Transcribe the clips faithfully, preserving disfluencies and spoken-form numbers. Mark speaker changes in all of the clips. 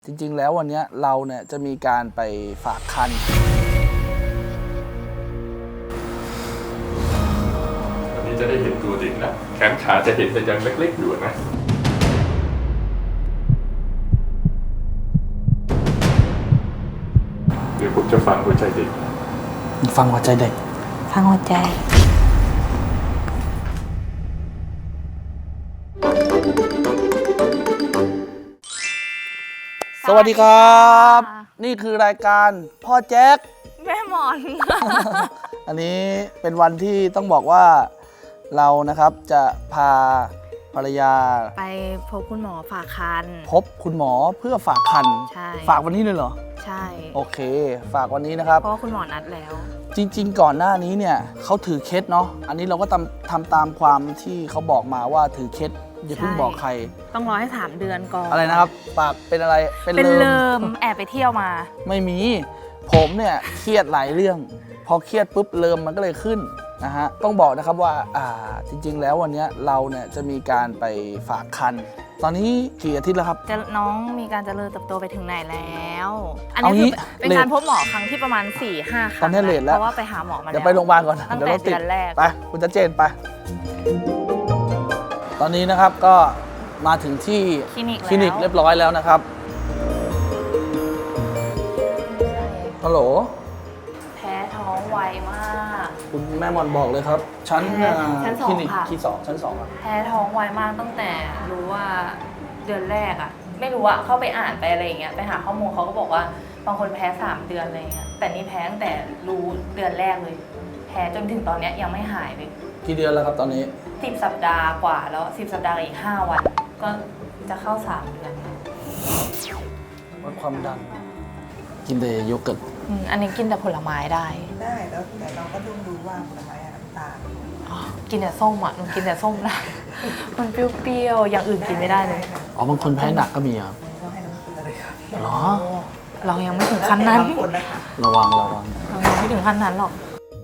Speaker 1: จริงๆแล้ววันนี้เราเนี่ยจะมีการไปฝากคัน
Speaker 2: วันนี้จะได้เห็นตัวเด็กแล้วแขนขาจะเห็นแต่ยังเล็กๆอยู่นะเดี๋ยวผมจะฟังหัวใจเด็ก
Speaker 1: ฟังหัวใจเด็ก
Speaker 3: ฟังหัวใจ
Speaker 1: สวัสดีครับนี่คือรายการพ่อแจ็ค
Speaker 3: แม่หมอน
Speaker 1: อันนี้เป็นวันที่ต้องบอกว่าเรานะครับจะพาภรรยา
Speaker 3: ไปพบคุณหมอฝากคัน
Speaker 1: พบคุณหมอเพื่อฝากคัน
Speaker 3: ใช่
Speaker 1: ฝากวันนี้เลยเหรอ
Speaker 3: ใช่
Speaker 1: โอเคฝากวันนี้นะครับ
Speaker 3: เพราะคุณหมอนัดแล้ว
Speaker 1: จริงๆก่อนหน้านี้เนี่ยเขาถือเคสเนาะอันนี้เราก็ทำทำตามความที่เขาบอกมาว่าถือเคสอย่าเพิ่งบอกใคร
Speaker 3: ต้องรอให้สามเดือนก่อน
Speaker 1: อะไรนะครับปากเป็นอะไร
Speaker 3: เป็นเลิมแอบไปเที่ยวมา
Speaker 1: ไม่มีผมเนี่ยเครียดหลายเรื่องพอเครียดปุ๊บเลิมมันก็เลยขึ้นนะฮะต้องบอกนะครับว่าอ่าจริงๆแล้ววันนี้เราเนี่ยจะมีการไปฝากคันตอนนี้กี่อาทิตย์แล้วครับ
Speaker 3: จะน้องมีการเจริญเติบโตไปถึงไหนแล้วอันนี้เป็นการพบหมอครั้งที่ประมาณ สี่ห้า ครั้ง
Speaker 1: ตอนนี้เลทแล้ว
Speaker 3: เพราะว่าไปหาหมอมาแล้ว
Speaker 1: เดี๋ยวไปโรงพยาบาลก่อน
Speaker 3: ตั้งแต่เดือนแรก
Speaker 1: ไปคุณจะเจนไปตอนนี้นะครับก็มาถึงที่
Speaker 3: คลินิก
Speaker 1: คลินิกเรียบร้อยแล้วนะครับฮัลโหล
Speaker 3: แพ้ท้องไวมาก
Speaker 1: คุณแม่มอนบอกเลยครับชั้น
Speaker 3: ชั้นสองค่ะ
Speaker 1: ที่สองชั้นสอง
Speaker 3: แพ้ท้องไวมากตั้งแต่รู้ว่าเดือนแรกอะไม่รู้อะเข้าไปอ่านไปอะไรอย่างเงี้ยไปหาข้อมูลเขาก็บอกว่าบางคนแพ้สามเดือนอะไรเงี้ยแต่นี่แพ้ตั้งแต่รู้เดือนแรกเลยแพ้จนถึงตอนเนี้ยยังไม่หายเลย
Speaker 1: กี่เดือนแล้วครับตอนนี้
Speaker 3: สิบสัปดาห์กว่าแล้วสิบสัปดาห์อีกห้าวันก็จะเข้าสามเดือน
Speaker 1: วัดความดันกินแต่โยเกิร์ต
Speaker 3: อันนี้กินแต่ผลไม้ได้
Speaker 4: ได้แล้วแต่เราก็ต้องดูว่าผลไม้น้ำตาล
Speaker 3: กินแต่ส้มอ่ะหนูกินแต่ส้มได้มันเปรี้ยวๆอย่างอื่นกินไม่ได้เลย
Speaker 1: อ๋อบางคนแพ้หนักก็มีครับ
Speaker 4: ก็ให้น้ำเกลือเลยครับ
Speaker 1: หรอ
Speaker 3: เรายังไม่ถึงขั้นนั้น
Speaker 1: ระวังระวัง
Speaker 3: เรายังไม่ถึงขั้นนั้นหรอก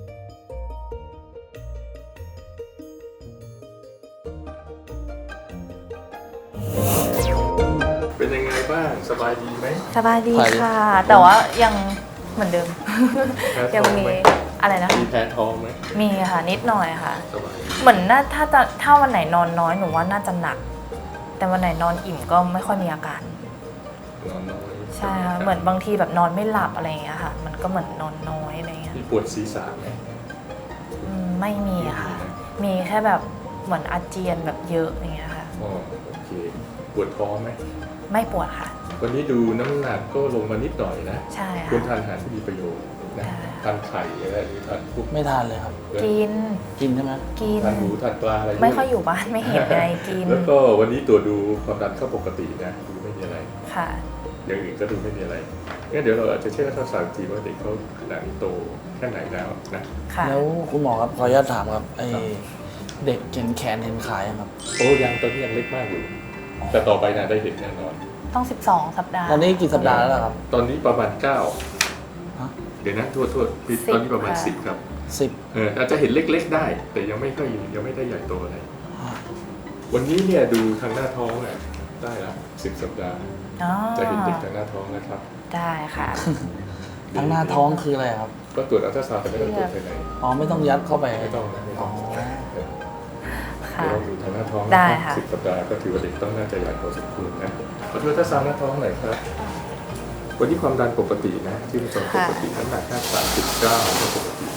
Speaker 2: เป็นยังไงบ้างสบายดีไหม
Speaker 3: สบายดีค่ะแต่ว่ายังเหมือนเดิมยังมีอะไรนะ
Speaker 2: มีแพ้ท้องไหม
Speaker 3: มีค่ะนิดหน่อยค่ะเหมือนน่าถ้าจะถ้าวันไหนนอนน้อยหนูว่าน่าจะหนักแต่วันไหนนอนอิ่มก็ไม่ค่อยมีอาการ
Speaker 2: นอนน้อย
Speaker 3: ใช่ค่ะเหมือนบางทีแบบนอนไม่หลับอะไรอย่างเงี้ยค่ะมันก็เหมือนนอนน้อยอะไรเงี้ย
Speaker 2: มีปวดศีรษะไหม
Speaker 3: ไม่มีค่ะมีแค่แบบเหมือนอาเจียนแบบเยอะอย่างเงี้ยค่ะ
Speaker 2: อ๋อโอเคปวดท้องไหม
Speaker 3: ไม่ปวดค่ะ
Speaker 2: วันนี้ดูน้ำหนักก็ลงมานิดหน่อยนะ
Speaker 3: ใช่ค่ะ
Speaker 2: ควรทานอาหารที่มีประโยชน์นะทานไข่อะไรหรือทานพวก
Speaker 1: ไม่ทานเลยครับ
Speaker 3: กิน
Speaker 1: กินใช่ไหม
Speaker 3: กิน
Speaker 2: ทานหมูทานปลาอะไร
Speaker 3: ไม่ค่อยอยู่บ้านไม่เห็นไงกิน
Speaker 2: แล้วก็วันนี้ตัวดูความดันเข้าปกตินะดูไม่มีอะไร
Speaker 3: ค่ะ
Speaker 2: อย่างอื่นก็ดูไม่มีอะไรงั้นเดี๋ยวเราอาจจะเช็คอัลตราซาวด์ทีว่าเด็กเขาขนาดนี้โตแค่ไหนแล้วนะ
Speaker 1: แล้วคุณหมอครับขออนุญาตถามครับไอเด็กเห็นแขนเห็นขาครับ
Speaker 2: โอ้ยังตอนนี้ยังเล็กมากอยู่แต่ต่อไปนะได้เห็นแน่นอน
Speaker 3: ต้องสิบสองสัปดาห์
Speaker 1: ตอนนี้กี่สัปดาห์แล้วครับ
Speaker 2: ตอนนี้ประมาณเก้าเดี๋ยวนะโทษโทษตอนนี้ประมาณสิบครับ
Speaker 1: สิบ
Speaker 2: เอออาจจะเห็นเล็กๆได้แต่ยังไม่ค่อยยังไม่ได้ใหญ่โตอะไรวันนี้เนี่ยดูทางหน้าท้องอ่ะได้ละสิบสัปดาห์จะเห็นเด็กทางหน้าท้องนะครับ
Speaker 3: ได้ค่ะ
Speaker 1: ทางหน้าท้องคืออะไรครับ
Speaker 2: ก็ตรวจอัลตราซาวด์แต่ไม่ต้องตรวจภายใน
Speaker 1: อ๋อไม่ต้องยัดเข้าไป
Speaker 2: ไม่ต้องนะไม่ต้อง
Speaker 3: เดี๋ยว
Speaker 2: เราดูทางหน้าท้องสิบสัปดาห์ก็ถือว่าเด็กต้องน่าจะใหญ่พอสมควรนะขอตรวจอัลตราซาวด์หน้าท้องหน่อยครับวันนี้ความดันปกตินะที่มันจปกติน้ำหนักแค่สามสิบเก้าก็ปกติ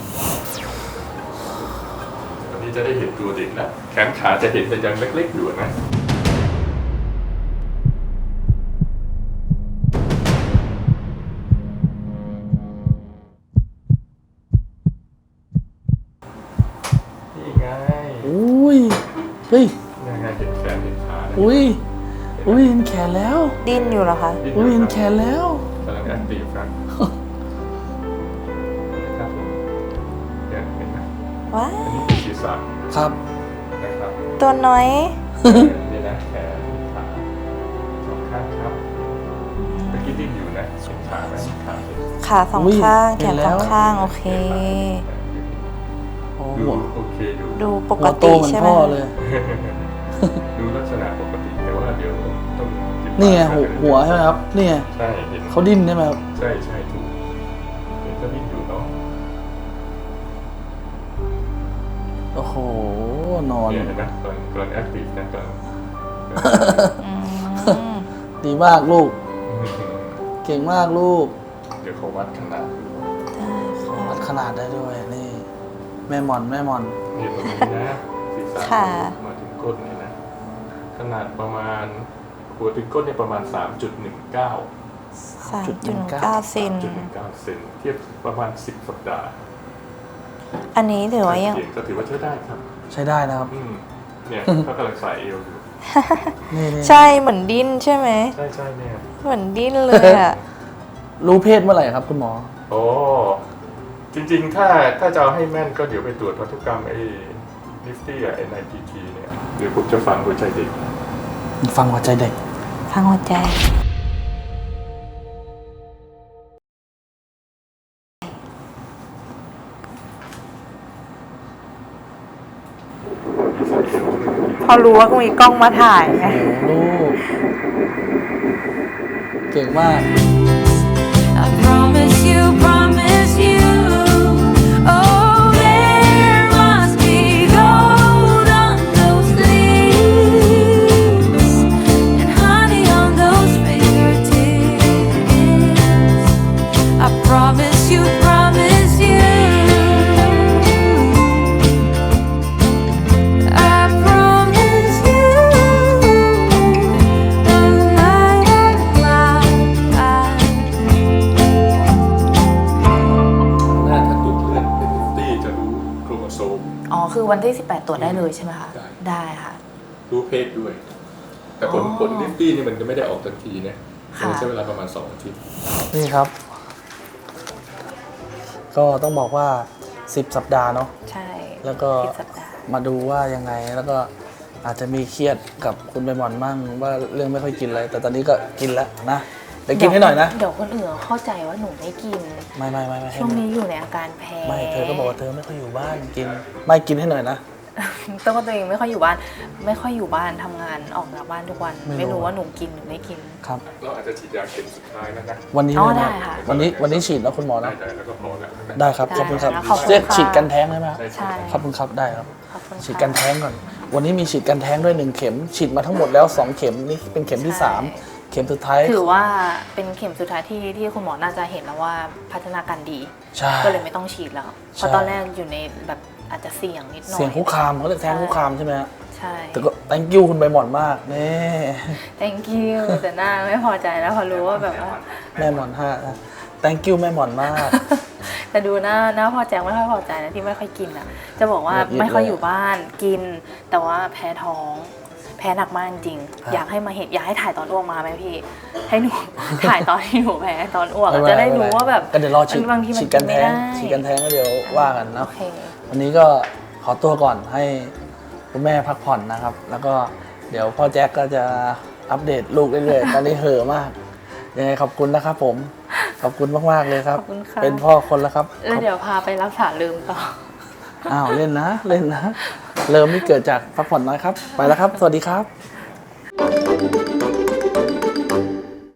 Speaker 2: วันนี้จะได้เห็นตัวเด็กแล้วแขนขาจะเห็นแต่ยังเล็กๆอยู่นะนี่ไง
Speaker 1: อุ้ยเฮ้ย
Speaker 2: นี่ไงเห็นแขนเห็นขา
Speaker 1: อุ้ยอุ้ยเห็นแขนแล้ว
Speaker 3: ดิ้นอยู่เหรอคะ
Speaker 1: อุ้ยเห็นแขนแล้ว
Speaker 2: กำลังแอคทีฟกันครับผมเนี่ยเห็นไหม
Speaker 3: ว้า
Speaker 2: อันนี้คือศีรษะ
Speaker 1: ครับ
Speaker 2: นะครับ
Speaker 3: ตัวน้อย
Speaker 2: นี่นะแขนขาสองข้างครับเมื่อกี้ดิ้นอยู่นะสองขาไหมขา
Speaker 3: ขาสองข้างแขนสองข้างโอเค
Speaker 2: ดูโอเคดู
Speaker 3: ดูปกติใช่ไหม
Speaker 1: เลย
Speaker 2: ดูลักษณะปกติแต่ว่าเดี๋ยวต้องจิ
Speaker 1: นี่ไงหัวหัวใช่ไหมครับนี่ไง
Speaker 2: ใช่เห็น
Speaker 1: เขาดิ้นใช่ไหมครับ
Speaker 2: ใช่ใช่ถูกเห็นก็ดิ้นอยู่เนาะ
Speaker 1: โอ้โหนอน
Speaker 2: เนี่ยเห็นไหมกำลังกำลังแอคทีฟนะกำลัง
Speaker 3: อืม
Speaker 1: ดีมากลูก เก่งมากลูก
Speaker 2: เดี๋ยวเขาวัดขนาดดู
Speaker 1: วัดขนาดได้ด้วยนี่ แม่หมอนแม่หมอน
Speaker 2: นี่ตรงนี้นะศีรษะ
Speaker 3: ค่ะ
Speaker 2: มาถึงก้นเนี่ยนะขนาดประมาณหัวถึงก้นเนี่ยประมาณ สามจุดหนึ่งเก้า
Speaker 3: สามจุดหนึ่งเก้าเซน
Speaker 2: จุดหนึ่งเก้าเซนเทียบประมาณสิบสัปดาห์
Speaker 3: อันนี้ถือว่ายัง
Speaker 2: เสียงก็ถือว่าใช้ได้ครับ
Speaker 1: ใช้ได้นะครับ
Speaker 2: อืมเนี่ยเขากำลังใส่เอวอยู่
Speaker 1: นี่นี่
Speaker 3: ใช่เหมือนดิ้นใช่ไหม
Speaker 2: ใช่ใช่เนี่ย
Speaker 3: เหมือนดิ้นเลยอ่ะ
Speaker 1: รู้เพศเมื่อไหร่ครับคุณหมอ
Speaker 2: โอ้จริงๆ ถ้าถ้าจะเอาให้แม่นก็เดี๋ยวไปตรวจพันธุกรรมไอ้นิฟตี้อะ เอ็น ไอ พี ที เนี่ยเดี๋ยวผมจะฟังหัวใจเด็ก
Speaker 1: ฟังหัวใจเด็ก
Speaker 3: ฟังหัวใจ พอรู้ว่ามีกล้องมาถ่ายไง
Speaker 1: โอ้ลูก เก่งมาก
Speaker 5: I promise you, promise you. Oh, there must be gold on those leaves and honey on those fingertips. I promise you, promise you. I promise you. La, la, la, la.
Speaker 2: หน้าถ้าตรวจเลือดเป็นนิฟตี้จะรู้โครโมโซม
Speaker 3: อ๋อ คือวันที่สิบแปดตรวจได้เลยใช่ไหมคะ
Speaker 2: ได้
Speaker 3: ได้ค่ะ
Speaker 2: รู้เพศด้วย แต่ผล
Speaker 3: อ๋อ
Speaker 2: ผลนิฟตี้นี่มันจะไม่ได้ออกทันทีนะ
Speaker 3: ค่ะ
Speaker 2: มันใช้เวลาประมาณสองอาทิตย์
Speaker 1: นี่ครับ ก็ต้องบอกว่าสิบสัปดาห์เนาะ
Speaker 3: ใช่
Speaker 1: แล้วก็
Speaker 3: สิบสัปดาห์
Speaker 1: มาดูว่ายังไง แล้วก็อาจจะมีเครียดกับคุณใบหมอนมั่งว่าเรื่องไม่ค่อยกินอะไร แต่ตอนนี้ก็กินแล้วนะเดี๋ยวกินให้หน่อยนะ
Speaker 3: เดี๋ยวคนอื่นเข้าใจว่าหนูไม่กิน
Speaker 1: ไม่ไม่ไม่ไม่ให้
Speaker 3: ช่วงนี้อยู่ในอาการแพ้
Speaker 1: ไม่เธอก็บอกว่าเธอไม่ค่อยอยู่บ้านกิน ไม่กินให้หน่อยนะ
Speaker 3: ต้องว่าตัวเองไม่ค่อยอยู่บ้าน ไม่ค่อยอยู่บ้านทำงานออกจากบ้านทุกวัน
Speaker 1: ไม่รู้
Speaker 3: ไม่รู้ว่าหนูกินหรือไม่กิน
Speaker 1: ครับ
Speaker 2: เราอาจจะฉีดยาเข็มสุดท้ายแล้วนะ
Speaker 1: วันนี้
Speaker 3: อ๋อ
Speaker 1: เลยนะ
Speaker 3: ได้ค่ะ
Speaker 1: วันนี้วันนี้ฉีดแล้วคุณหมอ
Speaker 2: ได้
Speaker 1: นะ
Speaker 2: ใจแล้วก็พอแล้วนะ
Speaker 1: ได้ครับ
Speaker 3: ได้
Speaker 1: ขอบคุณครับ
Speaker 3: ขอบคุณ
Speaker 1: เรียก
Speaker 3: ค่ะ
Speaker 1: ฉีดกันแท้งได้ไหมครับ
Speaker 3: ใช่
Speaker 1: ขอบคุณครับได้ครับ
Speaker 3: ขอบคุณค่ะ
Speaker 1: ฉีดกันแท้งก่อน วันนี้มีฉีดกันแท้งด้วยหนึ่งเข็ม ฉีดมาทั้งหมดแล้วสองเข็มนี่เป็นเข็มที่
Speaker 3: ใช่
Speaker 1: สามเข็มสุดท้าย
Speaker 3: ถือว่าเป็นเข็มสุดท้ายที่ที่คุณหมอน่าจะเห็นแล้วว่าพัฒนาการดี
Speaker 1: ใช่
Speaker 3: ก็เลยไม่ต้องฉีดแล้ว เพราะ
Speaker 1: ใช่
Speaker 3: ตอนแรกอยู่ในแบบอาจจะเสี่ยงนิดหน่อย
Speaker 1: เสียงคุกคามเขาเรียกแท้งคุกคามใช่ไหมฮะ
Speaker 3: ใช่
Speaker 1: แต่ก็ thank you คุณใบหมอนมากนี่
Speaker 3: thank you แต่หน้าไม่พอใจแล้วพอรู้ว่าแบบว่า
Speaker 1: แม่หมอนห้านะ thank you แม่หมอนมาก
Speaker 3: แต่ดูหน้าหน้าพอใจไม่ค่อยพอใจนะที่ไม่ค่อยกินอ่ะ จะบอกว่า
Speaker 1: ละเอียด
Speaker 3: ไม่ค่อย
Speaker 1: เลย
Speaker 3: อยู่บ้านกิน แต่ว่าแพ้ท้อง แพ้หนักมากจริง
Speaker 1: ครับ
Speaker 3: อยากให้มาเห็นอยากให้ถ่ายตอนอ้วกมาไหมพี่ ให้หนู ถ่ายตอนที่หนูแพ้ตอนอ้วกอะ
Speaker 1: ม่เป็น
Speaker 3: จะได้
Speaker 1: ม่เป็น
Speaker 3: รู้ว่าแบบ
Speaker 1: ก็เดี๋ยวรอฉีด
Speaker 3: บางทีมัน
Speaker 1: ฉีดกันแท้ง
Speaker 3: กินไม่ได้
Speaker 1: ฉีดกันแท้งก็เดี๋ยวว่ากัน
Speaker 3: โอ
Speaker 1: เนาะ
Speaker 3: เค
Speaker 1: วันนี้ก็ขอตัวก่อนให้คุณแม่พักผ่อนนะครับ แล้วก็เดี๋ยวพ่อแจ็คก็จะอัปเดตลูกเรื่อยๆ ตอนนี้เห่อะมาก ยังไงขอบคุณนะครับผม ขอบคุณมากๆเลยครับ
Speaker 3: ขอบคุณค่ะ
Speaker 1: เป็นพ่อคนแล้วครับ
Speaker 3: แล้วเดี๋ยวพาไปรักษาลืมต่อ
Speaker 1: อ้าวเล่นนะ เล่นนะ เริ่มนี่เกิดจากพักผ่อนน้อยครับ ไปแล้วครับ สวัสดีครับ